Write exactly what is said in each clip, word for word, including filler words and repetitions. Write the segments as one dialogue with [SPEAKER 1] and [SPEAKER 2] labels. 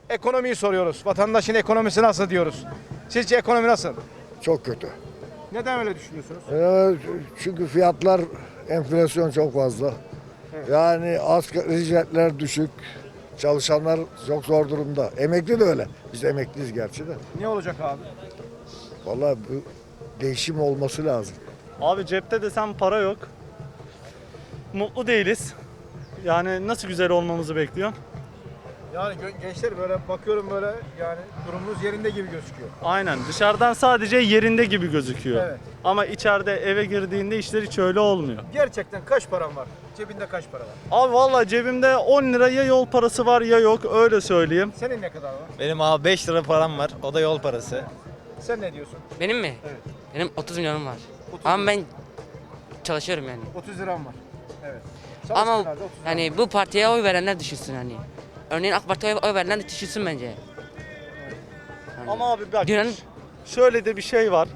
[SPEAKER 1] Ekonomiyi soruyoruz. Vatandaşın ekonomisi nasıl diyoruz. Sizce ekonomi nasıl?
[SPEAKER 2] Çok kötü.
[SPEAKER 1] Neden öyle düşünüyorsunuz?
[SPEAKER 2] Ee, çünkü fiyatlar, enflasyon çok fazla. Yani asgari ücretler düşük. Çalışanlar çok zor durumda. Emekli de öyle. Biz emekliyiz gerçi de.
[SPEAKER 1] Ne olacak abi?
[SPEAKER 2] Vallahi bu değişim olması lazım.
[SPEAKER 3] Abi cepte desem para yok. Mutlu değiliz. Yani nasıl güzel olmamızı bekliyor?
[SPEAKER 1] Yani gençler böyle bakıyorum böyle yani durumunuz yerinde gibi gözüküyor.
[SPEAKER 3] Aynen dışarıdan sadece yerinde gibi gözüküyor.
[SPEAKER 1] Evet.
[SPEAKER 3] Ama içeride eve girdiğinde işler hiç öyle olmuyor.
[SPEAKER 1] Gerçekten kaç param var? Cebinde kaç para var?
[SPEAKER 3] Abi vallahi cebimde on lira ya yol parası var ya yok, öyle söyleyeyim.
[SPEAKER 1] Senin ne kadar var?
[SPEAKER 4] Benim abi beş lira param var. O da yol parası.
[SPEAKER 1] Sen ne diyorsun?
[SPEAKER 5] Benim mi?
[SPEAKER 1] Evet.
[SPEAKER 5] Benim otuz milyonum var.
[SPEAKER 1] otuz
[SPEAKER 5] Ama ben çalışıyorum yani.
[SPEAKER 1] otuz liram var. Evet.
[SPEAKER 5] Ama
[SPEAKER 1] Çalıştığın halde otuz liram
[SPEAKER 5] yani
[SPEAKER 1] var.
[SPEAKER 5] bu partiye oy verenler düşünsün hani. Örneğin AK Parti'ye oy verenler düşünsün bence. Yani
[SPEAKER 3] Ama abi bak
[SPEAKER 5] dünyanın
[SPEAKER 3] şöyle de bir şey var.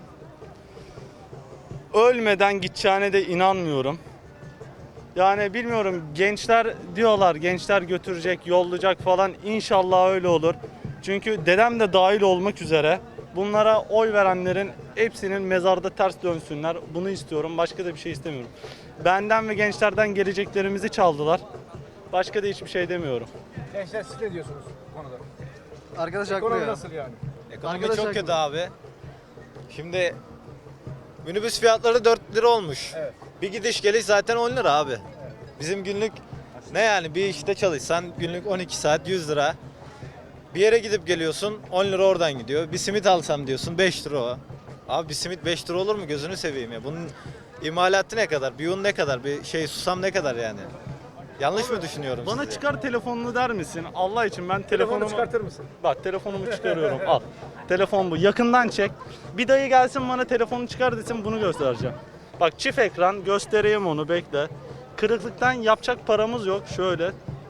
[SPEAKER 3] Ölmeden gideceğine de inanmıyorum. Yani bilmiyorum, gençler diyorlar, gençler götürecek, yollayacak falan, İnşallah öyle olur. Çünkü dedem de dahil olmak üzere bunlara oy verenlerin hepsinin mezarda ters dönsünler. Bunu istiyorum, başka da bir şey istemiyorum. Benden ve gençlerden geleceklerimizi çaldılar. Başka da hiçbir şey demiyorum.
[SPEAKER 1] Gençler siz ne diyorsunuz bu konuda?
[SPEAKER 6] Arkadaş haklı
[SPEAKER 1] Ekonomi
[SPEAKER 6] ya.
[SPEAKER 1] nasıl yani?
[SPEAKER 4] Ekonomi
[SPEAKER 6] Arkadaş
[SPEAKER 4] çok
[SPEAKER 6] haklı.
[SPEAKER 4] kötü abi. Şimdi minibüs fiyatları dört lira olmuş.
[SPEAKER 1] Evet.
[SPEAKER 4] Bir gidiş geliş zaten on lira abi. Bizim günlük ne yani, bir işte çalışsan günlük on iki saat yüz lira. Bir yere gidip geliyorsun on lira oradan gidiyor. Bir simit alsam diyorsun beş lira o. Abi bir simit beş lira olur mu, gözünü seveyim ya. Bunun imalatı ne kadar? Bir un ne kadar? Bir şey susam ne kadar yani? Yanlış mı düşünüyorum
[SPEAKER 3] Bana
[SPEAKER 4] sizi?
[SPEAKER 3] çıkar telefonunu der misin? Allah için ben
[SPEAKER 1] Telefonu
[SPEAKER 3] telefonumu...
[SPEAKER 1] çıkartır mısın?
[SPEAKER 3] Bak telefonumu çıkarıyorum, al. Telefon bu. Yakından çek. Bir dayı gelsin bana telefonu çıkar desin, bunu göstereceğim. Bak çift ekran, göstereyim onu, bekle. Kırıklıktan yapacak paramız yok, şöyle.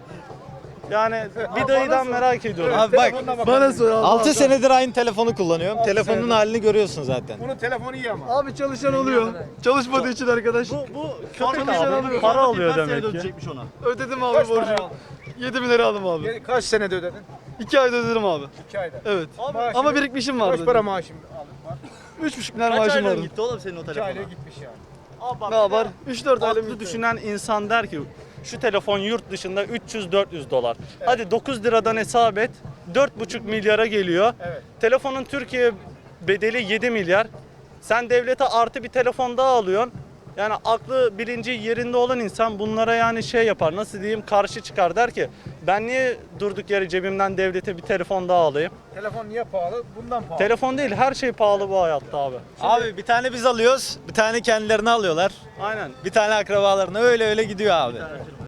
[SPEAKER 3] Yani bir dayıdan merak ediyorum.
[SPEAKER 4] Abi bak,
[SPEAKER 6] Bana sor abi.
[SPEAKER 4] altı senedir aynı telefonu kullanıyorum. Telefonun
[SPEAKER 1] senedir.
[SPEAKER 4] halini görüyorsun zaten.
[SPEAKER 1] Bunun telefonu iyi ama.
[SPEAKER 6] Abi çalışan oluyor. Çalışmadığı için arkadaş.
[SPEAKER 3] Bu, bu köpek
[SPEAKER 6] Çalışan
[SPEAKER 3] abi,
[SPEAKER 6] alıyor.
[SPEAKER 3] para alıyor demek ki.
[SPEAKER 6] Ödedim
[SPEAKER 1] Kaç
[SPEAKER 6] abi
[SPEAKER 1] para
[SPEAKER 6] borcu.
[SPEAKER 1] aldın?
[SPEAKER 6] yedi bin lira aldım abi.
[SPEAKER 1] Ge- Kaç senede ödedin?
[SPEAKER 6] iki ayda ödedim abi.
[SPEAKER 1] iki ayda.
[SPEAKER 6] Evet.
[SPEAKER 1] Maaşını-
[SPEAKER 6] Ama birikmişim vardı.
[SPEAKER 1] Kaç para maaşın aldın var?
[SPEAKER 6] üç buçuk bin lira maaşım vardı.
[SPEAKER 3] oğlum senin o
[SPEAKER 1] iki ayda gitmiş yani.
[SPEAKER 3] Abi bak,
[SPEAKER 6] Ne yapar? üç dört ayda
[SPEAKER 3] Aklı düşünen insan der ki şu telefon yurt dışında üç yüz dört yüz dolar. Hadi dokuz liradan hesap et. dört buçuk milyara geliyor.
[SPEAKER 1] Evet.
[SPEAKER 3] Telefonun Türkiye bedeli yedi milyar. Sen devlete artı bir telefon daha alıyorsun. Yani aklı bilinci yerinde olan insan bunlara yani şey yapar, nasıl diyeyim, karşı çıkar, der ki ben niye durduk yere cebimden devlete bir telefon daha alayım?
[SPEAKER 1] Telefon niye pahalı? Bundan pahalı.
[SPEAKER 3] Telefon değil, her şey pahalı bu hayatta abi.
[SPEAKER 4] Abi bir tane biz alıyoruz, bir tane kendilerini alıyorlar.
[SPEAKER 3] Aynen.
[SPEAKER 4] Bir tane akrabalarına, öyle öyle gidiyor abi.